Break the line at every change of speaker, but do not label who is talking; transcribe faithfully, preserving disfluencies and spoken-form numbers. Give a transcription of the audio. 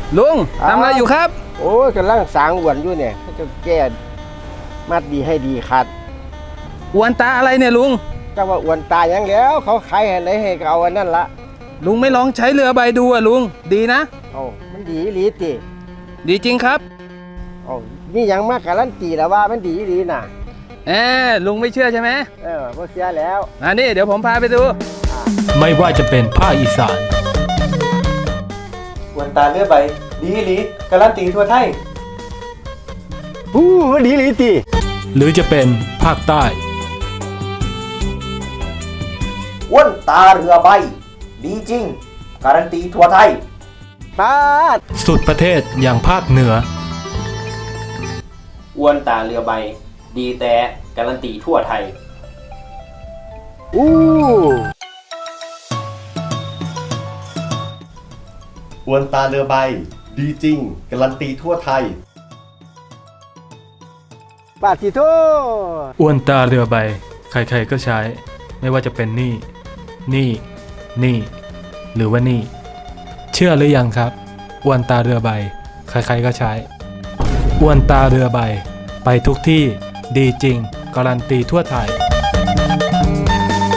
ลุงทำอะไรอยู่ครับ
โอ้ยกำลังสางอ้วนอยู่เนี่ยเขาจะแก้มัดดีให้ดีขาด
อวนตาอะไรเนี่ยลุง
ก็ว่าอ้วนตายยังแล้วเขาขายให้ไหนให้ก็เอาอันนั้นละ
ลุงไม่ลองใช้เรือใบดูอ่ะลุงดีนะ
เอามันดีหลีติ
ดีจริงครับ
เอามีอย่างมากการันตีแล้วว่ามันดีหลีน่ะ
เออลุงไม่เชื่อใช่ไหม
เออบ่เสียแล้ว
อันนี้เดี๋ยวผมพาไปดู
ไม่ว่าจะเป็นภาคอีสาน
อวนตาเรือใบดีหลีการันตีทั่วไทย
อู้มันดีหลีติ
หรือจะเป็นภาคใต้
อ้วนตาเรือใบดีจริงการันตีทั่วไทย
ปาด
สุดประเทศอย่างภาคเหนือ
อ้วนตาเรือใบดีแต่การันตีทั่วไทย
อู้
อวนตาเรือใบดีจริงการันตีทั่วไทย
ปาดสิโท
อ้วนตาเรือใบใครๆก็ใช้ไม่ว่าจะเป็นนี่นี่นี่หรือว่านี่เชื่อหรือยังครับอ้วนตาเรือใบใครๆก็ใช้อ้วนตาเรือใบไปทุกที่ดีจริงการันตีทั่วไทย